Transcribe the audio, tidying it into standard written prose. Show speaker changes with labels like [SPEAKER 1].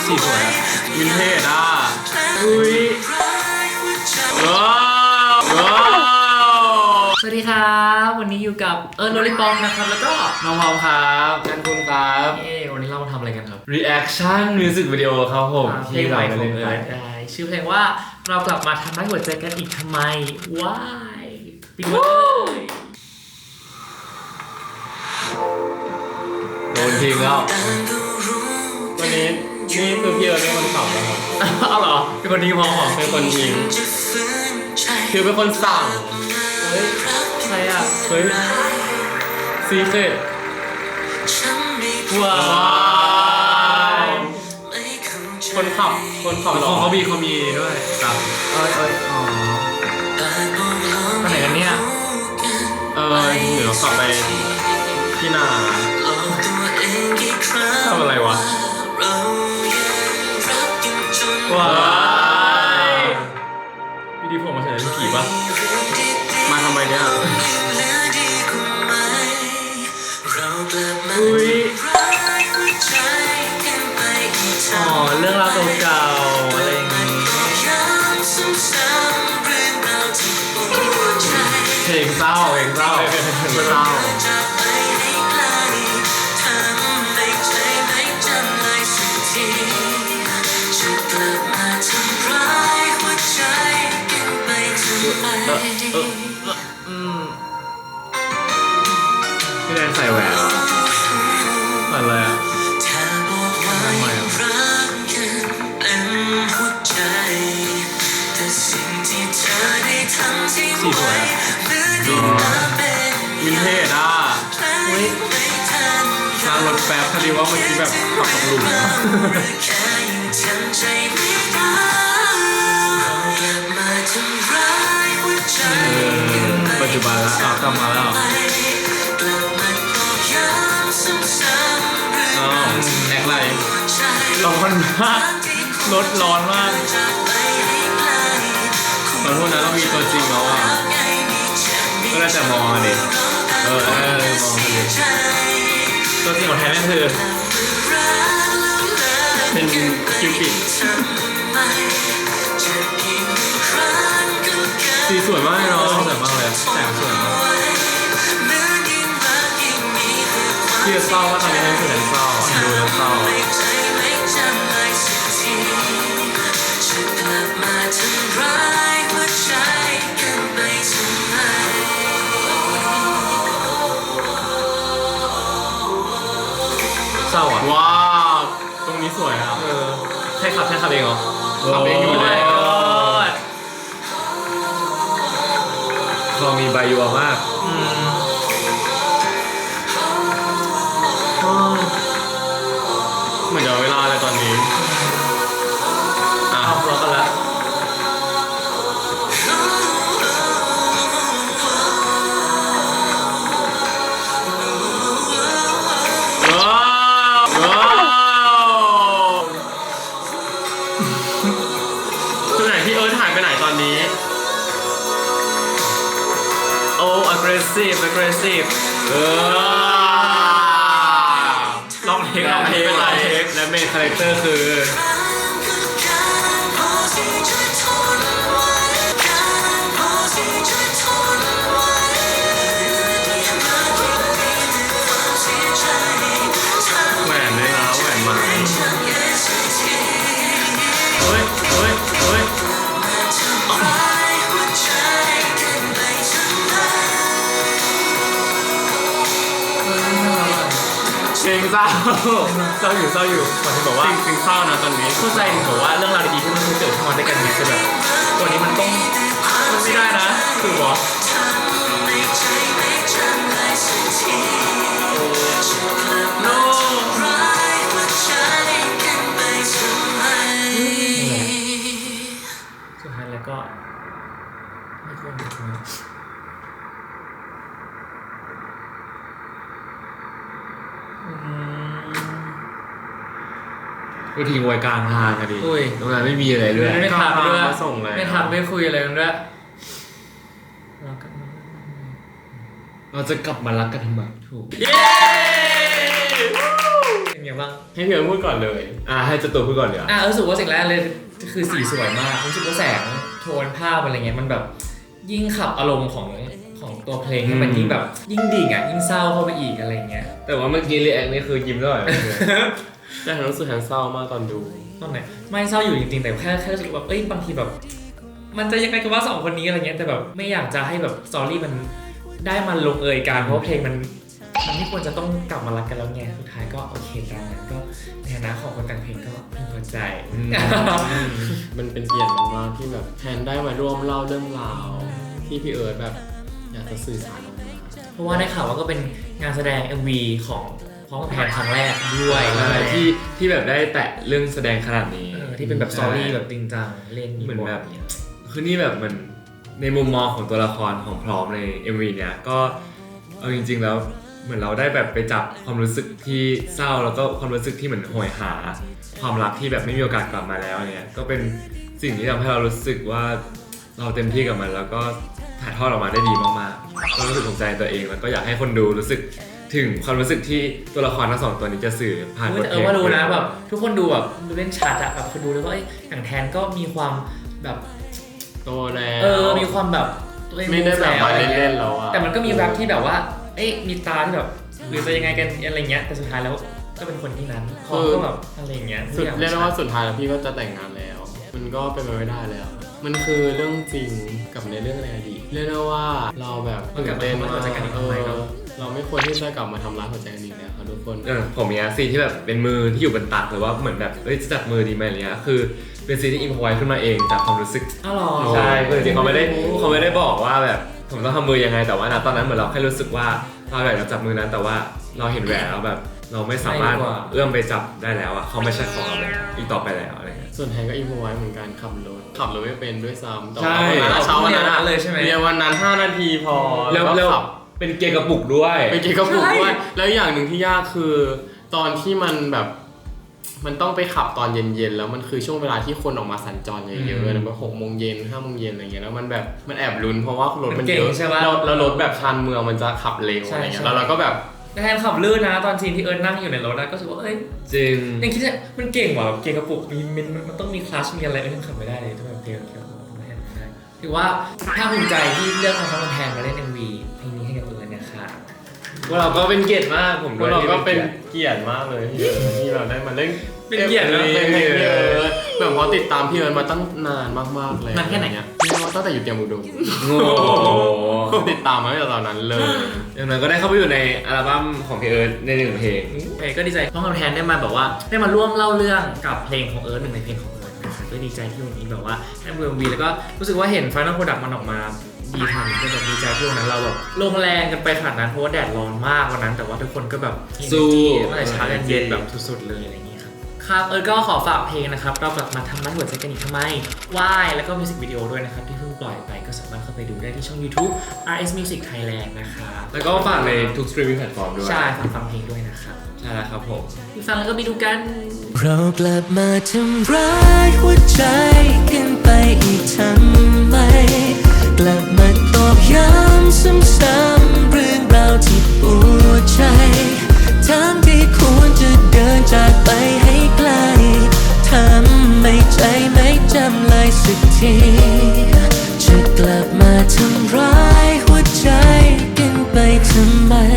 [SPEAKER 1] สีสวยวินเทจอ่ะอุ้ยว้าวว้าว
[SPEAKER 2] สวัสดีครับวันนี้อยู่กับโรลิปองนะครับแล้วก็
[SPEAKER 1] น้องพอมครับกันคุณครับ
[SPEAKER 2] วันนี้เรามาทำอะไรกันครับ
[SPEAKER 1] reaction music video ครับผม
[SPEAKER 2] เพลงใหม่ของเอิร์ธได้ชื่อเพลงว่าเรากลับมาทำร้ายหัวใจกันอีกทำไมว้ายปิดไว้เลย
[SPEAKER 1] โดนทิ้งแล้ววันนี้นี่คือพี่เอิร์ธเป็นคนขับนะครับ
[SPEAKER 2] เอาเหรอเป็นคนทิ้งพอเหรอ
[SPEAKER 1] เป็นคนทิ้งคือเป็นคนสั่ง
[SPEAKER 2] เฮ้ยใครอ่ะ
[SPEAKER 1] เฮ้ยซีเครต
[SPEAKER 2] ว้าว
[SPEAKER 1] คนขับหรอเขามีด้วยครับ
[SPEAKER 2] อ๋อไปไหนกันเนี่ย
[SPEAKER 1] เดี๋ยวขับไปที่นาทำอะไรวะว้ายวิดีผมมาเฉยๆผีปะมาทำไมเนี่ย
[SPEAKER 2] อุ้ยอ๋อเรื่องราวเก่าๆอะไรอย่างงี้
[SPEAKER 1] เพลงเศร้าเศร้าพี่แดนใส่แหวนเหมือนอะไรอ่ะทำไมอ่ะสีสวยวินเทจอ่ะ
[SPEAKER 2] อุ้ย
[SPEAKER 1] นั่งรถแป๊บพอดีว่าเมื่อกี้แบบขับกับหลุมปัจจุบันแล้วกลับมาแล้วแอคไรร้อนมากรถร้อนมากขอโทษนะเรามีตัวจริงแล้วอ่ะก็ได้แต่มองดิมองดิ
[SPEAKER 2] ตัวจริงของแท้นั่นคือ
[SPEAKER 1] เป็นคิวปิดสีสวยมากเลยเนาะสวยมากเลยแสงสวยมากที่จะเศร้าว่าตอนนี้คือเศร้าดูแล้วเศร้าเศร้าอ่ะว้าวตรงนี้สวยอ่ะ
[SPEAKER 2] ใช่ขับเองเหรอ
[SPEAKER 1] ขับเองอยู่แล้วเรามีใบยัวมากเหมือนจะเวลาเลยตอนนี้
[SPEAKER 2] เอารอกันแล้ว
[SPEAKER 1] คือไหนพี่เอิร์ธหายไปไหนตอนนี้
[SPEAKER 2] โอ้ aggressive ลองเทค
[SPEAKER 1] และเมนคาแรคเตอร์คือแหวนเลยนะแหวนมาเฮ้ยเพลงเศร้าอยู่คนที่บอกว่าเพลงเศร้านะตอนนี้
[SPEAKER 2] เข้าใจถึงบอกว่าเรื่องราวดีๆที่มันเกิดขึ้นมาด้วยกันเนี่ยคือแบบวันนี้มันไม่ได้นะคือวะโน้สุดท้ายแล้วก็ไม่ควร
[SPEAKER 1] ก็ทิ้งไว้กลางทางกันดิตรงนั้นไม่มีอะไรเลย
[SPEAKER 2] ไม่ทักด้วย
[SPEAKER 1] ส่งเลย
[SPEAKER 2] ไม่ทักไม่คุยอะไรกันด้วย
[SPEAKER 1] เราจะกลับมารักกันทำไมถูก
[SPEAKER 2] เย้เป็นไงบ้าง
[SPEAKER 3] ให้พี่เอิร์ธพูดก่อนเลย
[SPEAKER 1] ให้เจ้าตัวพูดก่อนเลยอ่ะ
[SPEAKER 2] รู้สึกว่าสิ่งแรกเลยคือสีสวยมากรู้สึกว่าแสงโทนภาพอะไรเงี้ยมันแบบยิ่งขับอารมณ์ของตัวเพลงให้มันยิ่งแบบยิ่งดิ่งอ่ะยิ่งเศร้าเข้าไปอีกอะไรเงี้ย
[SPEAKER 1] แต่ว่าเมื่อกี้รีแอคนี่คือยิ้มตลอดเลย
[SPEAKER 3] แต่ฉันรู้สึกฉันเศร้ามากตอนดู
[SPEAKER 2] ตอนไหนไม่เศร้าอยู่จริงๆแต่แค่รู้สึกแบบบางทีแบบ มันจะยังไงกันว่าสองคนนี้อะไรเงี้ยแต่แบบไม่อยากจะให้แบบสตอรี่มันได้มันลงเอยกันเพราะว่าเพลงมันไม่ควรจะต้องกลับมารักกันแล้วไงสุดท้ายก็โอเคตามนั้นก็ในฐานะของคนแต่งเพลงก็พึงพอใจ
[SPEAKER 3] มันเป็นเกียรติมากๆที่แบบแทนได้มาร่วมเล่าเรื่องราวที่พี่เอิร์ธแบบอยากจะสื่อสารออกมา
[SPEAKER 2] เพราะว่าได้ข่าวว่าก็เป็นงานแสดง MV ของพร้อมกับแพนครั้งแรกด้วย
[SPEAKER 1] ที่แบบได้แตะเรื่องแสดงขนาดนี้
[SPEAKER 2] ที่เป็นแบบสตอรี่แบบจริงจังเล่น
[SPEAKER 1] เหมือนแบบคือนี่แบบมันในมุมมองของตัวละครของพร้อมใน MV เนี้ยก็เอาจริงๆแล้วเหมือนเราได้แบบไปจับความรู้สึกที่เศร้าแล้วก็ความรู้สึกที่เหมือนโหยหาความรักที่แบบไม่มีโอกาสกลับมาแล้วเนี่ยก็เป็นสิ่งที่ทำให้เรารู้สึกว่าเราเต็มที่กับมันแล้วก็ถ่ายทอดออกมาได้ดีมากๆก็รู้สึกภูมิใจตัวเองแล้วก็อยากให้คนดูรู้สึกถึงความรู้สึกที่ตัวละครทั้งสองตัวนี้จะสื่อผ่านบทเพลง
[SPEAKER 2] ว่ารู้นะแบบทุกคนดูแบบดูเล่นชัดอะแบบคนดูเลยว่าอย่างแทนก็มีความแบบ
[SPEAKER 3] โตแล้ว
[SPEAKER 2] มีความแบบตัวเอง
[SPEAKER 3] ไม่ได้แบบมาเล่นๆแล้วอะ
[SPEAKER 2] แต่มันก็มีแวบที่แบบว่ามีตาที่แบบหรือจะยังไงกันอะไรเงี้ยแต่สุดท้ายแล้วก็เป็นคนที่นั้นคอก็แบบอะไรเงี้ย
[SPEAKER 3] เรียกได้ว่าสุดท้ายแล้วพี่ก็จะแต่งงานแล้ว มันก็เป็นไปไม่ได้แล้ว มันคือเรื่องจริงกับในเรื่องในอดีตเรียกได้ว่าเราแบบตื่นเต้นมากเราไม่ควรที่จะกลับมาทำร้ายหัวใจกันอีกแล้วครับทุกคน
[SPEAKER 1] ผมมีซีนที่แบบเป็นมือที่อยู่บนตักหรือว่าเหมือนแบบจะจับมือดีไหมอะไรเงี้ยคือเป็นซีนที่อิมพอไว้ขึ้นมาเองจากความรู้สึก
[SPEAKER 2] อ้าวหรอ
[SPEAKER 1] ใช่คือจริงๆเขาไม่ได้บอกว่าแบบผมต้องทำมือยังไงแต่ว่าณตอนนั้นเหมือนเราแค่รู้สึกว่าเราอยากจะจับมือนั้นแต่ว่าเราเห็นแหวนแล้วแบบเราไม่สามารถเอื้อมไปจับได้แล้วอะเขาไม่ใช่ของเราอีกต่อไปแล้วอะไรเงี้ย
[SPEAKER 3] ส่วนแทนก็อินพอไว้เหมือนกันขับรถไม่เป็นด้วยซ้ำแต่
[SPEAKER 1] ใช่
[SPEAKER 3] ว่าเช้าวันนั้น
[SPEAKER 2] เลยใช่ไหม
[SPEAKER 3] เรียนวันนั้น5 นาทีพอ
[SPEAKER 1] แล้ว
[SPEAKER 3] ก็ขับ
[SPEAKER 1] เป็นเกียร์กระปุกด้วย
[SPEAKER 3] ไปเก็บกระปุกด้วยแล้วอย่างหนึ่งที่ยากคือตอนที่มันแบบมันต้องไปขับตอนเย็นๆแล้วมันคือช่วงเวลาที่คนออกมาสัญจรเยอะๆนะแบบ6 โมงเย็น5 โมงเย็นอะไรเงี้ยแล้วมันแบบมันแอบลุ้นเพราะว่ารถมันเยอะแล้วรถแบบชานเมืองมันจะขับเร็วอะไรเงี้ยแล้วเราก็แบบ
[SPEAKER 2] แทนขับลื่นนะตอนซีนที่นั่งอยู่ในรถนะก็รู้สึกว่า
[SPEAKER 1] จริง
[SPEAKER 2] ยังคิดว่ามันเก่งว่ะเก่งกระปุกมันต้องมีคลัชมีอะไรยังขับไม่ได้เลยถ้าแบบเก่งถือว่าภาคภูมิใจที่เลือกทำทั้งแทนมาเล่น MV เพลงนี้ให้กับนะคะ
[SPEAKER 1] ว่าเราก็เป็นเกียรติมากผมด้วย
[SPEAKER 3] เราก็เป็นเกียรติมากเลยที่เราได้มาเล่น
[SPEAKER 2] เป็นเกียรตินะ
[SPEAKER 3] แบบพอติดตามพี่เอิร์ธมาตั้งนานมากๆเลย
[SPEAKER 2] นานแค่ไหน
[SPEAKER 3] พี่ว่าตั้งแต่อยู่เตรียมอุดม
[SPEAKER 1] โอ้โห
[SPEAKER 3] ติดตามมาตั้งแต่ตอนนั้นเลย
[SPEAKER 1] อย่างนั้นก็ได้เข้าไปอยู่ในอัลบั้มของพี่เอิร์ธใน1 เพลง
[SPEAKER 2] ก็ดีใจน้องคำแทนได้มาแบบว่าได้มาร่วมเล่าเรื่องกับเพลงของเอิร์ธหนึ่งในเพลงของเอิร์ธนะคะก็ดีใจที่วันนี้แบบว่าได้เมืองวีแล้วก็รู้สึกว่าเห็น Final Product มันออกมาดีทันก็แบบดีใจที่วันนั้นเราแบบลงแรงกันไปขนาดนั้นเพราะว่าแดดร้อนมากวันนั้นแต่ว่าทุกคนก็แบบ
[SPEAKER 1] สู้
[SPEAKER 2] ตั้งแต่เช้ายันเย็นแบบสุดๆเลยอะไรอย่างนี้ครับก็ขอฝากเพลงนะครับเรากลับมาทำร้ายหัวใจกันอีกทำไมว่ายแล้วก็มิวสิกวิดีโอด้วยนะครับที่เพิ่งปล่อยไปก็สามารถเข้าไปดูได้ที่ช่อง YouTube RS Music Thailand นะครับ
[SPEAKER 1] แล้วก็ฝากในทุกสตรีมมิ่งแพลตฟอร์มด้วย
[SPEAKER 2] ใช่ฟังเพลงด้วยนะครับ
[SPEAKER 1] ใช่แล้วครับผม
[SPEAKER 2] ฟังแล้วก็ไปดูกัน
[SPEAKER 4] เรากลับมาทำร้ายหัวใจกันไปอีกทำไม กลับมาตอกย้ำซ้ำ